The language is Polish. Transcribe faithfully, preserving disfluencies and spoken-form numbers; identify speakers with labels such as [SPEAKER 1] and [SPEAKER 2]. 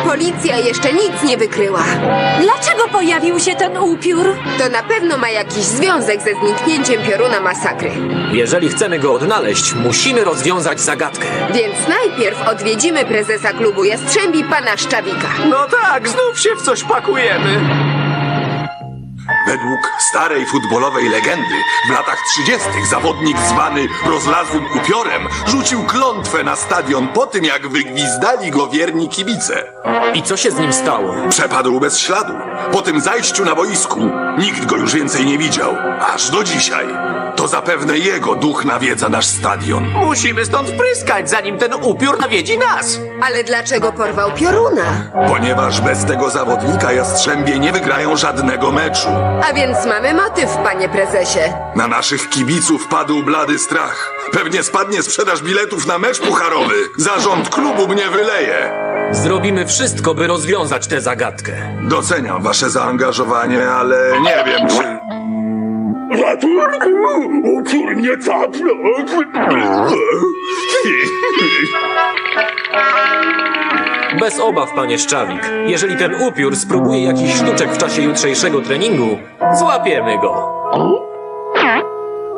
[SPEAKER 1] Policja jeszcze nic nie wykryła.
[SPEAKER 2] Dlaczego pojawił się ten upiór?
[SPEAKER 1] To na pewno ma jakiś związek ze zniknięciem pioruna masakry.
[SPEAKER 3] Jeżeli chcemy go odnaleźć, musimy rozwiązać zagadkę.
[SPEAKER 1] Więc najpierw odwiedzimy prezesa klubu Jastrzębi, pana Szczawika.
[SPEAKER 4] No tak, znów się w coś pakujemy.
[SPEAKER 5] Według starej futbolowej legendy w latach trzydziestych zawodnik zwany rozlazłym upiorem rzucił klątwę na stadion po tym, jak wygwizdali go wierni kibice.
[SPEAKER 3] I co się z nim stało?
[SPEAKER 5] Przepadł bez śladu. Po tym zajściu na boisku nikt go już więcej nie widział. Aż do dzisiaj. To zapewne jego duch nawiedza nasz stadion.
[SPEAKER 4] Musimy stąd pryskać, zanim ten upiór nawiedzi nas.
[SPEAKER 1] Ale dlaczego porwał pioruna?
[SPEAKER 5] Ponieważ bez tego zawodnika Jastrzębie nie wygrają żadnego meczu.
[SPEAKER 1] A więc mamy motyw, panie prezesie.
[SPEAKER 5] Na naszych kibiców padł blady strach. Pewnie spadnie sprzedaż biletów na mecz pucharowy. Zarząd klubu mnie wyleje.
[SPEAKER 3] Zrobimy wszystko, by rozwiązać tę zagadkę.
[SPEAKER 5] Doceniam wasze zaangażowanie, ale nie wiem, czy...
[SPEAKER 6] Ratunku! Upiór mnie capnął!
[SPEAKER 3] Bez obaw, panie Szczawik. Jeżeli ten upiór spróbuje jakiś sztuczek w czasie jutrzejszego treningu, złapiemy go.